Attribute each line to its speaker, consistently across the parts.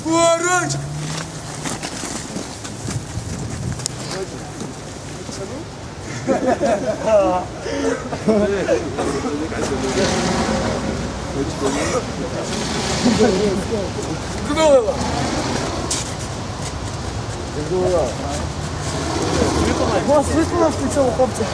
Speaker 1: Поруч! Кнула!
Speaker 2: Вас висунула з цього хлопця.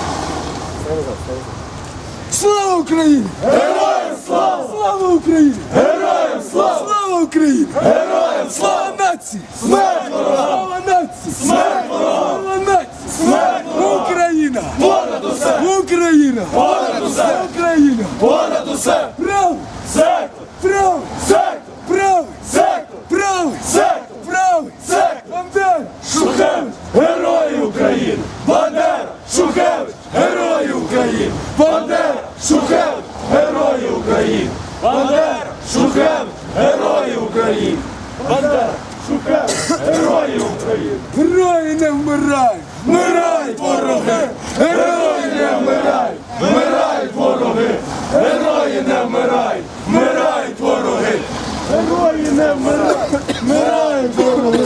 Speaker 1: Слава Україні!
Speaker 2: Героям слава!
Speaker 1: Слава Україні!
Speaker 2: Героям слава!
Speaker 1: Слава Україні!
Speaker 2: Героям
Speaker 1: Слава нації!
Speaker 2: Смерть ворогам!
Speaker 1: Слава нації!
Speaker 2: Смерть ворогам!
Speaker 1: Слава нації!
Speaker 2: Смерть ворогам!
Speaker 1: Україна!
Speaker 2: Понад усе!
Speaker 1: Україна!
Speaker 2: Понад усе!
Speaker 1: Україна!
Speaker 2: Понад усе!
Speaker 1: Право!
Speaker 2: Сектор!
Speaker 1: Право!
Speaker 2: Сектор!
Speaker 1: Правий!
Speaker 2: Сектор!
Speaker 1: Правий!
Speaker 2: Сектор!
Speaker 1: Правий!
Speaker 2: Сектор!
Speaker 1: Бандера!
Speaker 2: Шухевич! Герої України! Бандера! Шухевич! Герої України! Бандера! Шухевич! Герої України! Бандера! Шухевич! Герої України! Бандера! Шухевич! Герої України!
Speaker 1: Герої не вмирають!
Speaker 2: Вмирають вороги! Герої не вмирають! Вмирають вороги! Герої не вмирають! Вмирають вороги! Герої не вмирають! Вмирають вороги!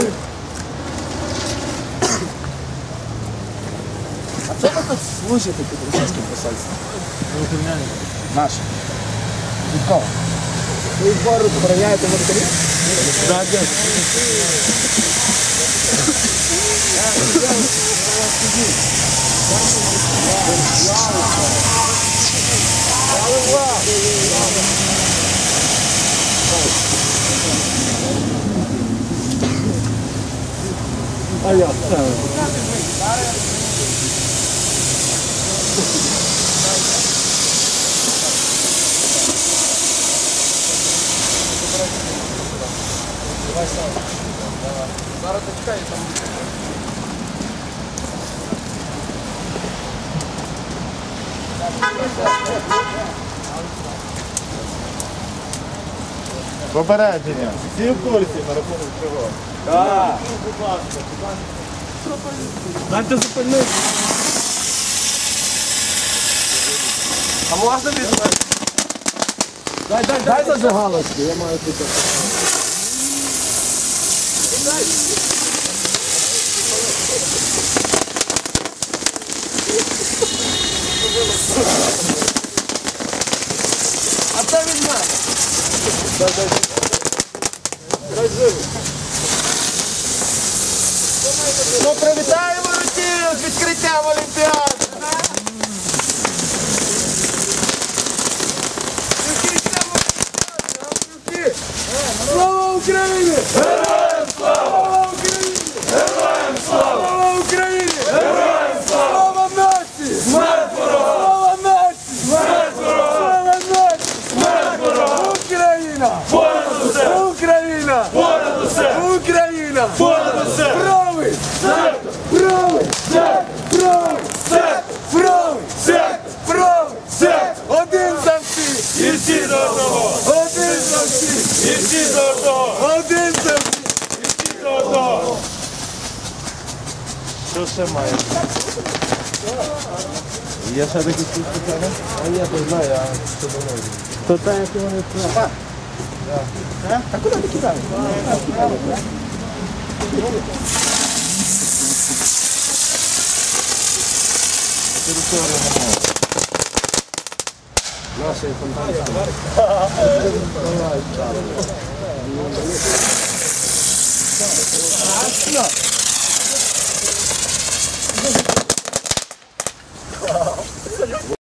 Speaker 1: А що ви тут служите під російським посольством? Наші. Від кого? Ви збору обороняєте воротарів?
Speaker 2: Так, так.
Speaker 1: А я це. Зараз дочекай там.
Speaker 2: Попередження. Всі в курсі на рахунок чого? Так. Будь ласка,
Speaker 1: Дайте зупинити. А можна від мене? Дай зажигалочку, я маю тут. А це від мене. Дай живо. Ну, привітаємо Росію з відкриттям Олімпіади! Слава Україні!
Speaker 2: Героям слава!
Speaker 1: Слава Україні!
Speaker 2: Героям слава!
Speaker 1: Слава Україні!
Speaker 2: Героям слава!
Speaker 1: Слава нації!
Speaker 2: Смерть ворогам!
Speaker 1: Слава нації!
Speaker 2: Смерть ворогам!
Speaker 1: Слава нації!
Speaker 2: Смерть ворогам!
Speaker 1: Україна!
Speaker 2: Понад усе!
Speaker 1: Україна!
Speaker 2: Понад усе!
Speaker 1: Україна!
Speaker 2: Понад усе!
Speaker 1: Правий!
Speaker 2: Сектор!
Speaker 1: Правий!
Speaker 2: Сектор!
Speaker 1: Правий!
Speaker 2: Сектор!
Speaker 1: Правий!
Speaker 2: Сектор!
Speaker 1: Правий!
Speaker 2: Сектор!
Speaker 1: Один за всіх!
Speaker 2: І всі до одного!
Speaker 1: Один за всіх!
Speaker 2: І всі до одного!
Speaker 1: Один за всіх!
Speaker 2: І всі до одного! Що ще має? Є ще такі спеціальні?
Speaker 1: А я то знаю, а що думаю. То та, як вони сказали. А куди ти кидаєш? Наші фонтанські. Давай, чало.